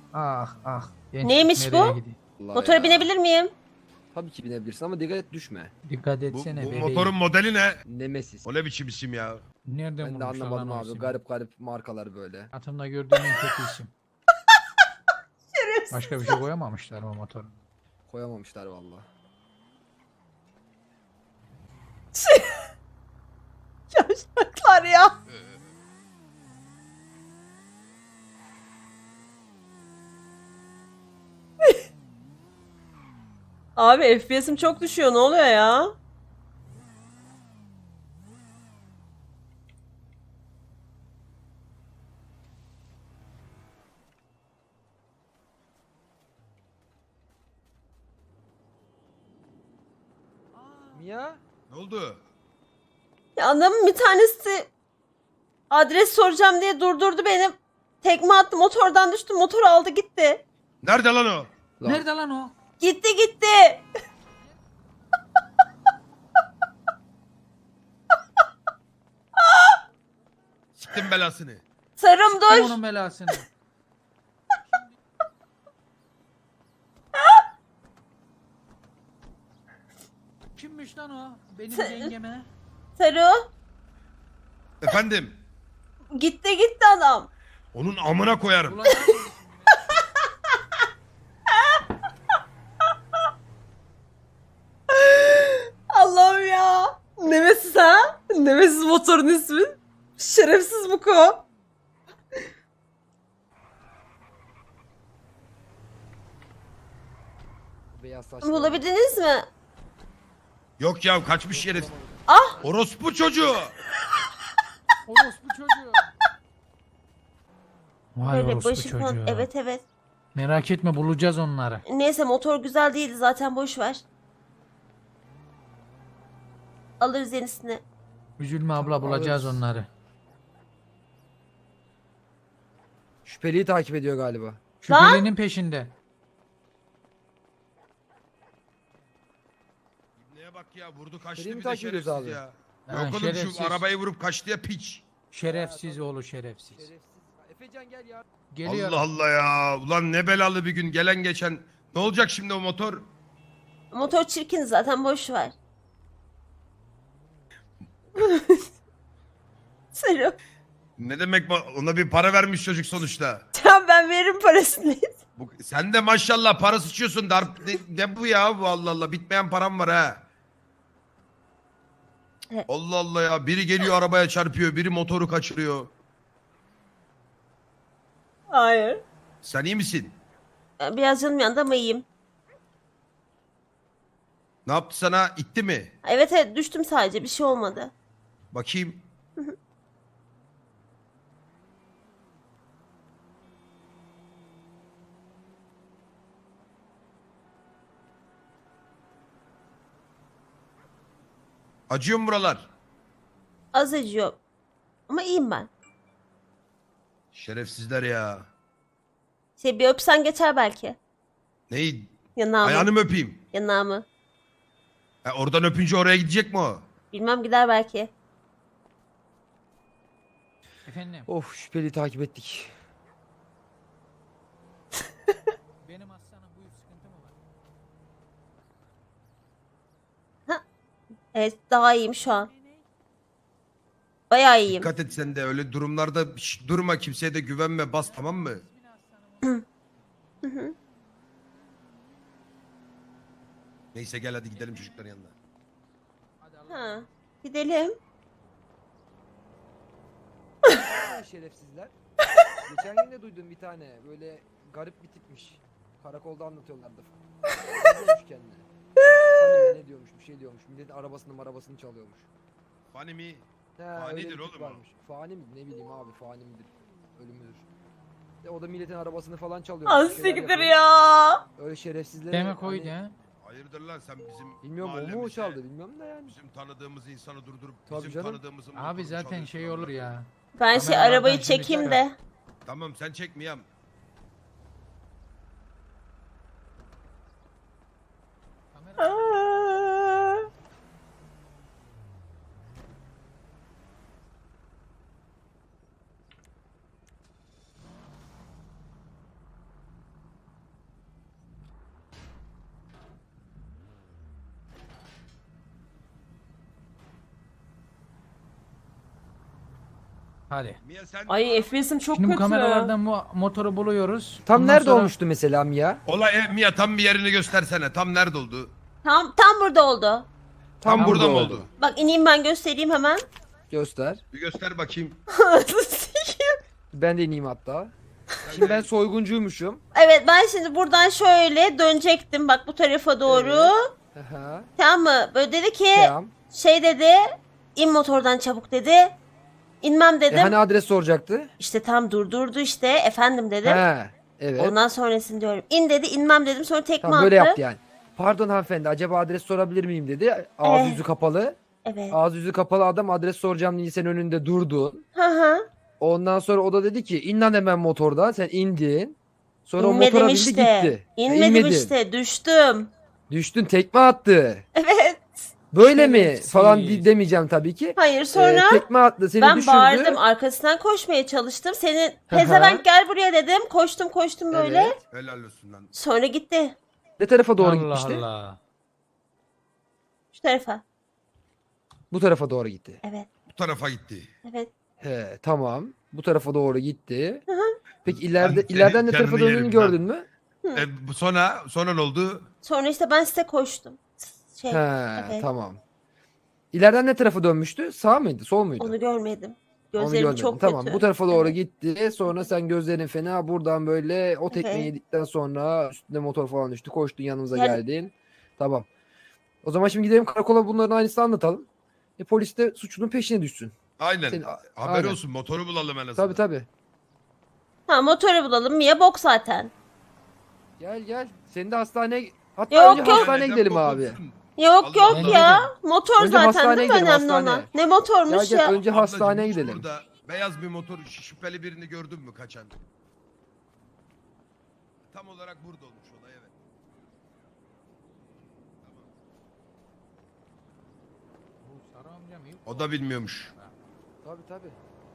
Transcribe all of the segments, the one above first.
Ah ah. Gençlik Neymiş nereye bu? gidiyor? Allah Motora ya. binebilir miyim? Tabii ki binebilirsin ama dikkat et düşme. Dikkat Bu, etsene bu bebeğim. motorun modeli ne? Nemesis. O ne biçim isim ya? Nereden Ben de bulmuşlar lan anlamadım o abi. ismi? Garip garip markalar böyle. Hayatımda gördüğüm en kötü isim. Başka bir şey koyamamışlar o motora. Koyamamışlar vallahi. Yavşaklar ya. Abi FPS'im çok düşüyor. Ne oluyor ya? Mia? Ne oldu? Ya adamın bir tanesi adres soracağım diye durdurdu beni. Tekme attı, motordan düştüm. Motor aldı gitti. Nerede lan o? Lan. Nerede lan o? Gitti. Siktim belasını. Sarım Kim dur. onun belasını? Kimmiş lan o? Benim yengeme. Sarı. Efendim? Gitti adam. Onun amına koyarım. Ulan Allah'ım ya. Nemesis ha? Nemesis motorun ismi. Şerefsiz bu ko. Beyaz saçlı. Bulabildiniz mi? Yok ya kaçmış herif. Ah! Orospu çocuğu. orospu çocuğu. Vay Evet, orospu başı çocuğu. falan. Evet. Merak etme bulacağız onları. Neyse motor güzel değildi zaten, boş ver. Alırız yenisini. Üzülme abla bulacağız Alırız. onları. Şüpheliyi takip ediyor galiba. Şüphelinin peşinde. Neye bak ya vurdu kaçtı Seni mi bir de takip ediyoruz şerefsiz abi? ya. Ha, Yok oğlum şerefsiz. şu arabayı vurup kaçtı ya piç. Şerefsiz oğlu şerefsiz. Şerefsiz. Efecan gel ya. Geliyor. Allah Allah ya. Ulan ne belalı bir gün gelen geçen. Ne olacak şimdi o motor? Motor çirkin zaten, boş ver. Sarı. Ne demek ona bir para vermiş çocuk sonuçta. Tamam, ben veririm parasını. Sen de maşallah para sıçıyorsun. Ne bu ya bu Allah Allah. Bitmeyen param var ha. Evet. Allah Allah ya. Biri geliyor arabaya çarpıyor. Biri motoru kaçırıyor. Hayır. Sen iyi misin? Biraz canım yandı ama iyiyim. Ne yaptı sana? İtti mi? Evet düştüm sadece, bir şey olmadı. Bakayım. Acıyor mu buralar? Az acıyor. Ama iyiyim ben. Şerefsizler ya. Bir öpsen geçer belki. Neyi? Yanağımı. Ayağını mı öpeyim? Yanağımı. Oradan öpünce oraya gidecek mi o? Bilmem, gider belki. Efendim Of şüpheliyi takip ettik. benim aslanım buyur sıkıntı mı var? Evet, daha iyiyim şu an. Bayağı iyiyim. Dikkat et sen de öyle durumlarda durma, kimseye de güvenme, bas, tamam mı? Neyse gel hadi gidelim çocukların yanına. Ha, gidelim. Şerefsizler. Geçen gün de duydum bir tane böyle garip bir tipmiş. Karakolda anlatıyorlardı. Ne diyormuş kendine? Hani ne diyormuş, bir şey diyormuş. Milletin arabasını çalıyormuş. Fani mi? He, Fanidir öyle bir tip oğlum o. varmış. Fani mi? Ne bileyim abi, fani midir? Ölümüdür. O da milletin arabasını falan çalıyormuş. Az bir şeyler siktir yapıyormuş. ya. Öyle şerefsizlere Demek oydu hani, ha. Hayırdır lan sen bizim bilmiyorum o mu mahallemize, çaldı bilmiyorum da yani. bizim tanıdığımız insanı durdurup Tabii bizim canım. tanıdığımızın Abi motorunu zaten çalıyorsun şey lan. olur ya. Ben Kameralardan arabayı şimdi çekeyim çıkar. de. Tamam sen çekmeyeyim. Kamera- Aa. Hadi. Mia sen Ay FPS'im çok Şimdi bu kötü. kameralardan bu motoru buluyoruz. Tam Ondan nerede sonra- olmuştu mesela Mia? olay Mia tam bir yerini göstersene. Tam nerede oldu? Tam burada oldu. Tam burada mı oldu? Bak ineyim ben göstereyim hemen. Göster. Bir göster bakayım. Ben de ineyim hatta. Şimdi ben soyguncuymuşum. Evet ben şimdi buradan şöyle dönecektim bak bu tarafa doğru. Aha. Tamam mı? Böyle dedi ki Tamam. şey dedi. İn motordan çabuk dedi. İnmem dedim. Hani adres soracaktı? İşte tam durdurdu işte. Efendim dedim. He. Evet. Ondan sonrasını diyorum. İn dedi inmem dedim sonra tekme Tamam böyle attı. yaptı yani. Pardon hanımefendi acaba adres sorabilir miyim dedi. Ağzı yüzü kapalı. Evet. Ağzı yüzü kapalı adam adres soracağım diye senin önünde durdu. Hı hı. Ondan sonra o da dedi ki in lan hemen motordan. Sen indin. Sonra o İnmedim motora bindi işte. gitti. İnmedim İnmedin. işte düştüm. Düştün tekme attı. Evet. Böyle mi Şerefsiz. falan demeyeceğim tabii ki. Hayır sonra Tekme attı seni ben düşürdü. bağırdım arkasından koşmaya çalıştım. Senin Hı hı. pezevenk gel buraya dedim. Koştum böyle. Evet. Helal olsun lan. Sonra gitti. Ne tarafa doğru Allah gitmişti? Allah. Şu tarafa. Bu tarafa doğru gitti. Evet. Bu tarafa gitti. Evet. He tamam. Bu tarafa doğru gitti. Hı hı. Peki Ben ileriden ne senin tarafa canını döndüğünü yerim gördün mü? Sonra ne oldu? Sonra işte ben size koştum. Şey, He evet. tamam. İleriden ne tarafa dönmüştü? Sağ mıydı? Sol muydu? Onu görmedim. Onu Gözlerim görmedin. çok Tamam kötü. bu tarafa doğru Evet. gitti. Sonra sen gözlerin fena buradan böyle o tekmeyi Evet. yedikten sonra üstünde motor falan düştü. Koştun yanımıza Yani- geldin. Tamam. O zaman şimdi gidelim karakola bunların aynısını anlatalım. Polis de suçlunun peşine düşsün. Aynen. Senin- Haber aynen. olsun motoru bulalım en azından. Tabii tabii. Ha motoru bulalım. Mia bok zaten. Gel. Seni de hastaneye... Hatta Yok, önce yok. hastaneye Neden gidelim bok abi. olsun? Yok Allah yok Allah. ya. Motor Önce zaten hastaneye değil mi gidelim, önemli hastaneye. olan? Ne motormuş Gel ya. önce Ablacığım, hastaneye hiç gidelim. Burada beyaz bir motor şüpheli birini gördün mü kaçan? Tam olarak burada olmuş olay evet. Bu Sarı amca mı? O da bilmiyormuş. Tabii.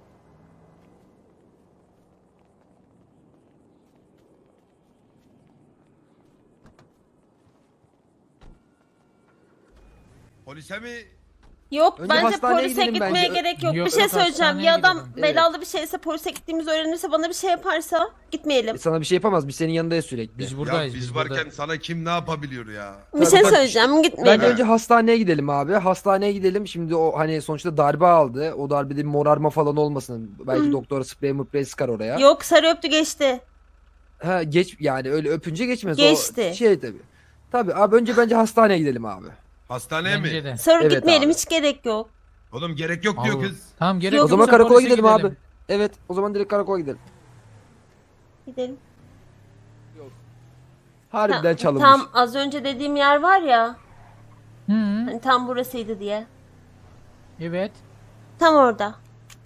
Polise mi? Yok Önce bence hastaneye polise gidelim gitmeye bence. gerek yok. Yok, Bir şey yok, söyleyeceğim. hastaneye Ya adam gidelim. belalı bir şeyse polise gittiğimizi öğrenirse bana bir şey yaparsa gitmeyelim. Sana bir şey yapamaz. Biz senin yanındayız sürekli. Biz Ya buradayız. biz burada. varken sana kim ne yapabiliyor ya? Bir şey tabii. söyleyeceğim gitmeyelim. Bence önce hastaneye gidelim abi. Hastaneye gidelim. Şimdi o hani sonuçta darbe aldı. O darbede bir morarma falan olmasın. Belki doktora sprey mıprey sıkar oraya. Yok sarı öptü geçti. Ha geç yani öyle öpünce geçmez. Geçti. O şey tabii. Tabii abi önce bence hastaneye gidelim abi. Hastaneye Bence mi? de. Sarı Evet gitmeyelim abi. hiç gerek yok. Oğlum gerek yok diyor Allah. kız. Tamam gerek Yok. O yoksa zaman karakola polise gidelim abi. Evet o zaman direkt karakola gidelim. Gidelim. Harbiden çalınmış. Tam az önce dediğim yer var ya. Hı, Hani tam burasıydı diye. evet. Tam orada.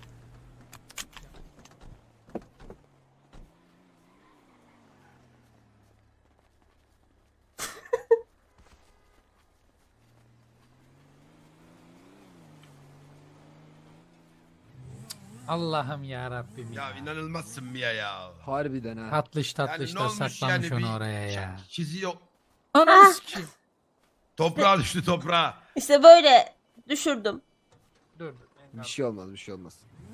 Allah'ım ya Rabbim ya. Ya inanılmazsın Mia ya. Harbiden ha. Tatlış Yani tatlış ne da olmuş saklamış yani onu bir oraya ya. çizi yok. Ananı sikeyim. Toprağa düştü toprağa. İşte böyle düşürdüm. Dur. Bir şey olmaz bir şey olmaz.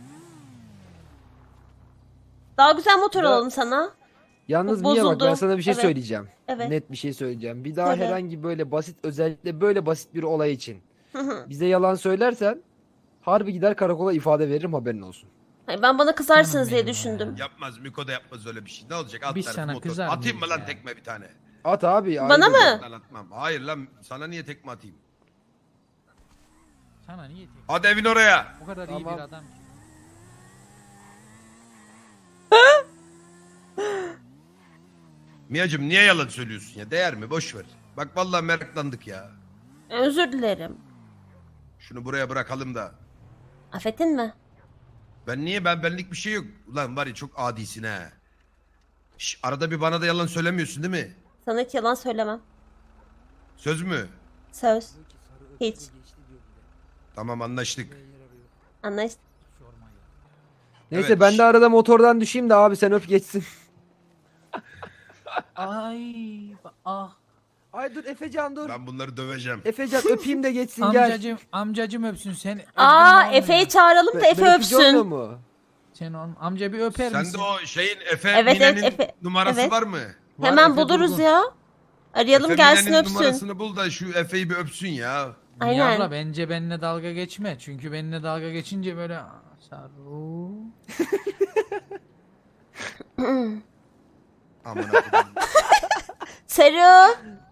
Daha güzel motor Ya- alalım sana. Yalnız Bu Mia bak ben bozuldu. sana bir şey Evet. söyleyeceğim. Evet. Net bir şey söyleyeceğim. Bir daha Söyle. herhangi böyle basit özellikle böyle basit bir olay için bize yalan söylersen harbi gider karakola ifade veririm haberin olsun. Hayır, ben bana kızarsınız Canım diye benim düşündüm. Yapmaz Miko da yapmaz öyle bir şey. Ne olacak? At Biz tarafı sana motor. kızar Atayım mı mıyız lan ya? tekme bir tane? At abi. Bana ayıp mı? Lan atmam. Hayır lan sana niye tekme atayım? Sana niye diyeyim? Hadi evin oraya. Bu kadar iyi Tamam. bir adam ki. Mia'cığım niye yalan söylüyorsun ya? Değer mi? Boş ver. Bak vallahi meraklandık ya. Özür dilerim. Şunu buraya bırakalım da. Affettin mi? Ben benlik bir şey yok. Ulan var ya çok adisin ha. Şş, arada bir bana da yalan söylemiyorsun değil mi? Sana hiç yalan söylemem. Söz mü? Söz. Hiç. Tamam anlaştık. Anlaştık. Neyse Evet. ben de arada motordan düşeyim de abi sen öp geçsin. Ay ah. Ay dur Efecan dur. Ben bunları döveceğim. Efecan öpeyim de geçsin gel. Amcacım öpsün seni. Aa Öptün mü Efe'yi olmuyor? çağıralım da Efe Ben öpücü olmuyor öpsün. mu? Sen onun amca bir öper Sende misin? o şeyin Efe Evet, Mine'nin evet, Efe. numarası Evet. var mı? Var, Hemen Efe buluruz Durgun. ya. Arayalım Efe gelsin Mine'nin öpsün. numarasını bul da şu Efe'yi bir öpsün ya. Niye Aynen. abla bence benimle dalga geçme. Çünkü benimle dalga geçince böyle Saru. Aman Allah'ım. Seru.